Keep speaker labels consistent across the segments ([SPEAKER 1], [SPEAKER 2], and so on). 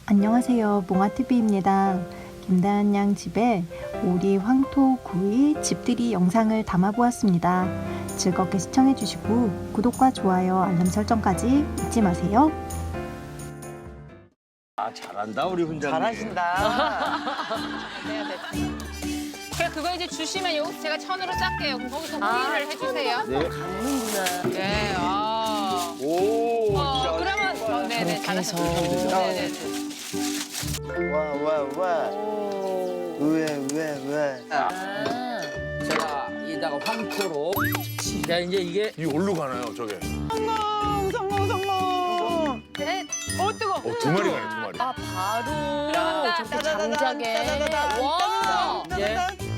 [SPEAKER 1] 안녕하세요. 몽아TV입니다. 김다은 양 집에 오리, 황토, 구이, 집들이 영상을 담아보았습니다. 즐겁게 시청해주시고 구독과 좋아요, 알람 설정까지 잊지 마세요.
[SPEAKER 2] 아, 잘한다 우리 훈장님.
[SPEAKER 3] 잘하신다.
[SPEAKER 4] 제가 그거 이제 주시면 여기서 제가 천으로 짤게요. 그럼 거기서 구이를 해주세요.
[SPEAKER 2] 네.
[SPEAKER 4] 네, 아.
[SPEAKER 2] 오. 진짜
[SPEAKER 4] 그러면 네네 잘하셨어요. 네네.
[SPEAKER 3] 와. 왜.
[SPEAKER 5] 제가 이다가 황토로. 자, 이제 이게
[SPEAKER 6] 이 올로 가나요, 저게?
[SPEAKER 3] 성공.
[SPEAKER 4] 네. 어 뜨거.
[SPEAKER 6] 두 마리 가네, 두 마리.
[SPEAKER 7] 아 바로
[SPEAKER 4] 들어간다.
[SPEAKER 7] 저렇게 장작에 와
[SPEAKER 5] 이제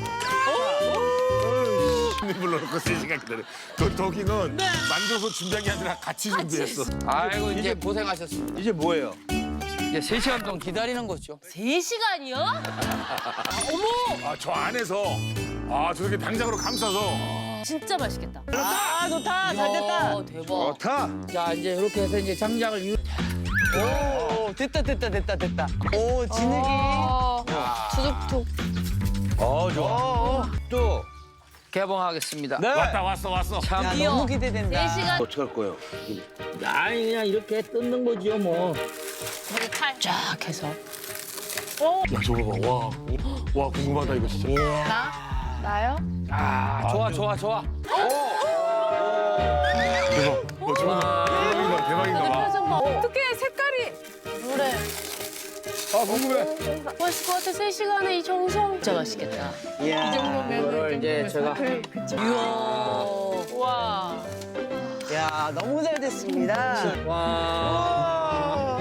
[SPEAKER 6] 손님 불러놓고 3시간 기다려. 그 도끼는 만져서 준비한 게 아니라 같이 준비했어.
[SPEAKER 5] 아이고 이제 고생하셨습니다.
[SPEAKER 2] 이제 뭐예요?
[SPEAKER 5] 이제 3시간 동안 기다리는 거죠.
[SPEAKER 7] 3시간이요?
[SPEAKER 6] 아, 저 안에서 저렇게 당장으로 감싸서
[SPEAKER 7] 진짜 맛있겠다.
[SPEAKER 3] 아 좋다. 잘 됐다.
[SPEAKER 7] 대박.
[SPEAKER 2] 좋다.
[SPEAKER 5] 자, 이제 이렇게 해서 이제 장작을
[SPEAKER 3] 오 됐다. 오 진흙이.
[SPEAKER 7] 투둑툭.
[SPEAKER 2] 좋아. 또.
[SPEAKER 5] 개봉하겠습니다.
[SPEAKER 3] 네.
[SPEAKER 6] 왔어.
[SPEAKER 5] 참.
[SPEAKER 3] 야
[SPEAKER 7] 드디어.
[SPEAKER 3] 너무 기대된다.
[SPEAKER 7] 4시간
[SPEAKER 2] 어떻게 할 거예요?
[SPEAKER 5] 아니 그냥 이렇게 뜯는 거지요 뭐.
[SPEAKER 7] 거기 칼 쫙 해서.
[SPEAKER 6] 야, 저거 봐. 와, 궁금하다 이거 진짜.
[SPEAKER 4] 나요?
[SPEAKER 5] 아, 좋아.
[SPEAKER 6] 대박. 저거 대박인가 봐.
[SPEAKER 7] 표정 봐.
[SPEAKER 4] 어떻게 색깔이
[SPEAKER 7] 노래.
[SPEAKER 6] 궁금해.
[SPEAKER 7] 맛있을 것 같아. 3시간에 이 정성. 진짜 맛있겠다.
[SPEAKER 3] 이야.
[SPEAKER 5] 이거를 이제 제가
[SPEAKER 7] 이야.
[SPEAKER 4] 와.
[SPEAKER 3] 야 너무 잘 됐습니다.
[SPEAKER 5] 와.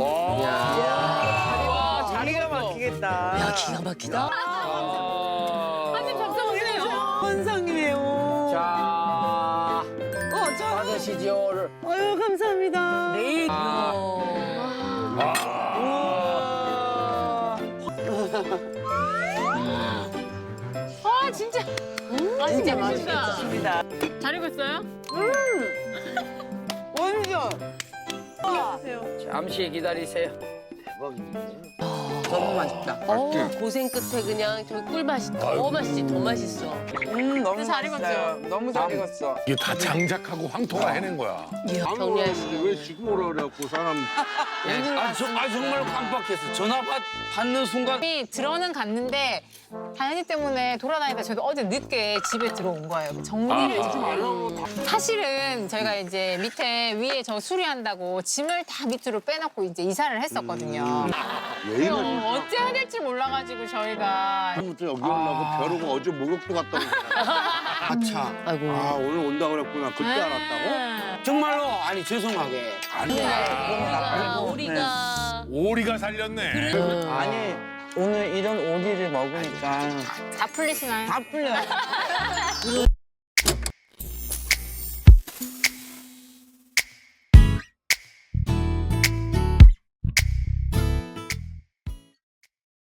[SPEAKER 3] 와 자리가 막히겠다.
[SPEAKER 7] 야 기가 막히다.
[SPEAKER 4] 한입 잡숴보세요.
[SPEAKER 3] 환상이네요.
[SPEAKER 5] 자,
[SPEAKER 3] 저.
[SPEAKER 5] 받으시죠.
[SPEAKER 3] 아유 감사합니다.
[SPEAKER 5] 내일.
[SPEAKER 4] 아 진짜. 아 진짜 맛있다.
[SPEAKER 3] 좋습니다.
[SPEAKER 4] 잘 익었어요?
[SPEAKER 3] 완전.
[SPEAKER 5] 잠시 기다리세요.
[SPEAKER 3] 너무 맛있다.
[SPEAKER 7] 고생 끝에 그냥 저기 꿀맛이 더 맛있지. 더 맛있어.
[SPEAKER 3] 너무
[SPEAKER 4] 잘
[SPEAKER 3] 맛있어요. 너무 잘 익었어.
[SPEAKER 6] 이게 다 장작하고 황토가 해낸 거야.
[SPEAKER 7] 이야 정리하시고.
[SPEAKER 2] 왜 지금 오라 그래갖고 사람.
[SPEAKER 5] 정말 깜빡했어. 전화 받는 순간.
[SPEAKER 4] 들어는 갔는데 다현이 때문에 돌아다니다 저도 어제 늦게 집에 들어온 거예요. 정리를 사실은 저희가 이제 밑에 위에 저 수리한다고 짐을 다 밑으로 빼놓고 이제 이사를 했었거든요. 그래서 어째 해야 될지 몰라가지고 저희가
[SPEAKER 2] 처음부터 여기 오려고 벼르고 어제 목욕도 갔다 오고. 아차.
[SPEAKER 7] 아이고.
[SPEAKER 2] 오늘 온다 그랬구나. 그때 알았다고?
[SPEAKER 5] 정말로 아니 죄송하게.
[SPEAKER 7] 우리가
[SPEAKER 6] 오리가 살렸네.
[SPEAKER 3] 아니 오늘 이런 오리를 먹으니까
[SPEAKER 4] 다 풀리시나요?
[SPEAKER 3] 다 풀려요.